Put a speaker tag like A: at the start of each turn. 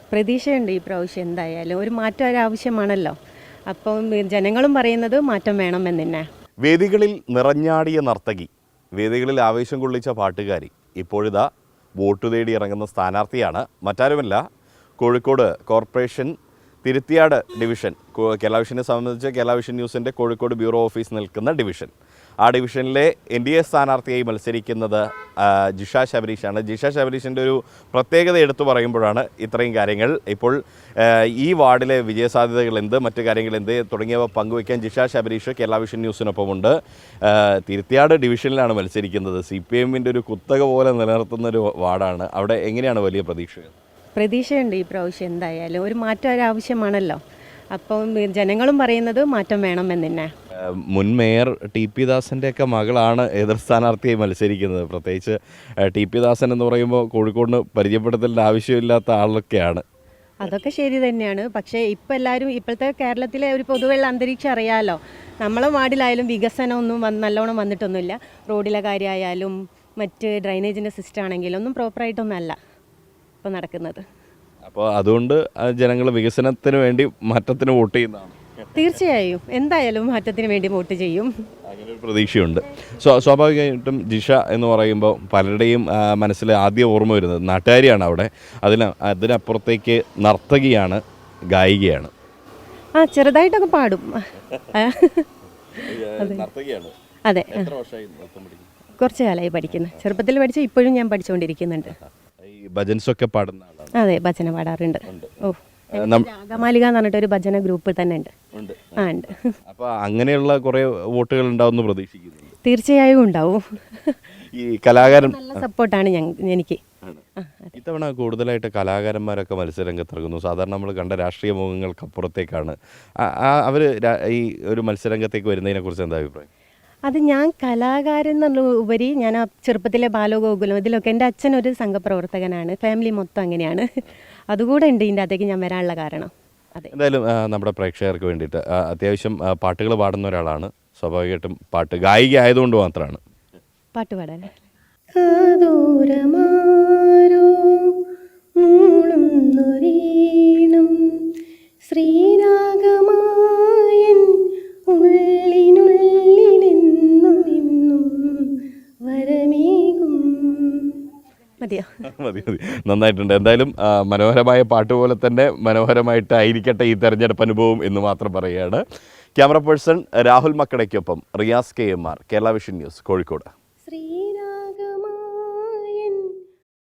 A: പ്രതീക്ഷയുണ്ട് ഈ പ്രാവശ്യം എന്തായാലും ഒരു മാറ്റം ഒരാവശ്യമാണല്ലോ. അപ്പം ജനങ്ങളും പറയുന്നത് മാറ്റം വേണമെന്ന് തന്നെ.
B: വേദികളിൽ നിറഞ്ഞാടിയ നർത്തകി, വേദികളിൽ ആവേശം കൊള്ളിച്ച പാട്ടുകാരി, ഇപ്പോഴിതാ വോട്ട് തേടി ഇറങ്ങുന്ന സ്ഥാനാർത്ഥിയാണ്. മറ്റാരുമല്ല, കോഴിക്കോട് കോർപ്പറേഷൻ തിരുത്തിയാട് ഡിവിഷൻ. കേരള വിഷനെ സംബന്ധിച്ച് കേരള വിഷൻ ന്യൂസിൻ്റെ കോഴിക്കോട് ബ്യൂറോ ഓഫീസ് നിൽക്കുന്ന ഡിവിഷൻ. ആ ഡിവിഷനിലെ NDA സ്ഥാനാർത്ഥിയായി മത്സരിക്കുന്നത് ജിഷ ശബരീഷാണ്. ജിഷ ശബരീഷിൻ്റെ ഒരു പ്രത്യേകത എടുത്തു പറയുമ്പോഴാണ് ഇത്രയും കാര്യങ്ങൾ. ഇപ്പോൾ ഈ വാർഡിലെ വിജയസാധ്യതകൾ എന്ത്, മറ്റു കാര്യങ്ങൾ എന്ത് തുടങ്ങിയവ പങ്കുവയ്ക്കാൻ ജിഷ ശബരീഷ് കേരള വിഷൻ ന്യൂസിനൊപ്പമുണ്ട്. തിരുത്തിയാട് ഡിവിഷനിലാണ് മത്സരിക്കുന്നത്. CPMൻ്റെ ഒരു കുത്തക പോലെ നിലനിർത്തുന്നൊരു വാർഡാണ്. അവിടെ എങ്ങനെയാണ് വലിയ പ്രതീക്ഷകൾ?
A: പ്രതീക്ഷയുണ്ട് ഈ പ്രാവശ്യം എന്തായാലും ഒരു മാറ്റം ഒരാവശ്യമാണല്ലോ. അപ്പം ജനങ്ങളും പറയുന്നത് മാറ്റം വേണമെന്ന് തന്നെ.
B: മുൻ മേയർ TP ദാസൻ്റെയൊക്കെ മകളാണ് എതിർ സ്ഥാനാർത്ഥിയായി മത്സരിക്കുന്നത്. പ്രത്യേകിച്ച് TP ദാസൻ എന്ന് പറയുമ്പോൾ കോഴിക്കോടിന് പരിചയപ്പെടുത്തലിൻ്റെ ആവശ്യമില്ലാത്ത ആളൊക്കെയാണ്.
A: അതൊക്കെ ശരി തന്നെയാണ്. പക്ഷേ ഇപ്പം എല്ലാവരും ഇപ്പോഴത്തെ കേരളത്തിലെ ഒരു പൊതുവെയുള്ള അന്തരീക്ഷം അറിയാമല്ലോ. നമ്മളെ വാർഡിലായാലും വികസനമൊന്നും നല്ലോണം വന്നിട്ടൊന്നുമില്ല. റോഡിലെ കാര്യമായാലും മറ്റ് ഡ്രൈനേജിൻ്റെ സിസ്റ്റം ആണെങ്കിലും ഒന്നും പ്രോപ്പറായിട്ടൊന്നുമല്ല ഇപ്പോൾ നടക്കുന്നത്.
B: അപ്പോൾ അതുകൊണ്ട് ജനങ്ങൾ വികസനത്തിന് വേണ്ടി മാറ്റത്തിന് വോട്ട് ചെയ്യുന്നതാണ്.
A: തീർച്ചയായും എന്തായാലും മാറ്റത്തിന് വേണ്ടി വോട്ട് ചെയ്യും.
B: അങ്ങനെ ഒരു പ്രതീക്ഷയുണ്ട്. സ്വാഭാവികമായിട്ടും ജിഷ എന്ന് പറയുമ്പോൾ പലരുടെയും മനസ്സിൽ ആദ്യം ഓർമ്മ വരുന്നത് നാട്ടുകാരിയാണ്. അവിടെ അതിനപ്പുറത്തേക്ക് നർത്തകിയാണ്, ഗായികയാണ്.
A: ചെറുതായിട്ടൊക്കെ പാടും.
B: നർത്തകിയാണ്.
A: അതെ, കുറച്ച് കാലമായി പഠിക്കുന്നത്. ചെറുപ്പത്തിൽ പഠിച്ച ഇപ്പോഴും ഞാൻ പഠിച്ചുകൊണ്ടിരിക്കുന്നുണ്ട്.
B: ഭജൻസൊക്കെ പാടുന്ന ആളാണ്.
A: അതെ, ഭജന പാടാറുണ്ട്. രാഗമാലിക എന്ന് പറഞ്ഞിട്ട് ഒരു ഭജന ഗ്രൂപ്പ് തന്നെ ഉണ്ട്. ഉണ്ട്.
B: അപ്പോൾ അങ്ങനെയുള്ള കുറേ വോട്ടുകൾ ഉണ്ടാവുമെന്ന് പ്രതീക്ഷിക്കുന്നു.
A: തീർച്ചയായും ഉണ്ടാവും.
B: ഈ കലാകാരൻ
A: നല്ല സപ്പോർട്ടാണ് എനിക്ക്.
B: ഇത്തവണ കൂടുതലായിട്ട് കലാകാരന്മാരൊക്കെ മത്സരരംഗത്തിറങ്ങുന്നു. സാധാരണ നമ്മൾ കണ്ട രാഷ്ട്രീയ മുഖങ്ങൾക്കപ്പുറത്തേക്കാണ് അവർ ഈ ഒരു മത്സരരംഗത്തേക്ക് വരുന്നതിനെ കുറിച്ച് എന്താ അഭിപ്രായം?
A: അത് ഞാൻ കലാകാരൻ എന്നുള്ള ഉപരി ഞാൻ ആ ചെറുപ്പത്തിലെ ബാലഗോകുലം ഇതിലൊക്കെ എൻ്റെ അച്ഛൻ ഒരു സംഘപ്രവർത്തകനാണ്. ഫാമിലി മൊത്തം അങ്ങനെയാണ്. അതുകൂടെ ഉണ്ട് ഇതിൻ്റെ അകത്തേക്ക് ഞാൻ വരാനുള്ള കാരണം. അതെ, എന്തായാലും
B: നമ്മുടെ പ്രേക്ഷകർക്ക് വേണ്ടിയിട്ട് അത്യാവശ്യം പാട്ടുകൾ പാടുന്ന ഒരാളാണ്. സ്വാഭാവികമായിട്ടും ഗായിക ആയതുകൊണ്ട് മാത്രമാണ്
A: പാട്ട് പാടാൻ. ശ്രീരാഗമായൻ മതി.
B: നന്നായിട്ടുണ്ട്. എന്തായാലും മനോഹരമായ പാട്ട് പോലെ തന്നെ മനോഹരമായിട്ടായിരിക്കട്ടെ ഈ തെരഞ്ഞെടുപ്പ് അനുഭവം എന്ന് മാത്രം പറയുകയാണ്. ക്യാമറ പേഴ്സൺ രാഹുൽ മക്കടയ്ക്കൊപ്പം Riyas KMR, Kerala vision news, Kozhikode.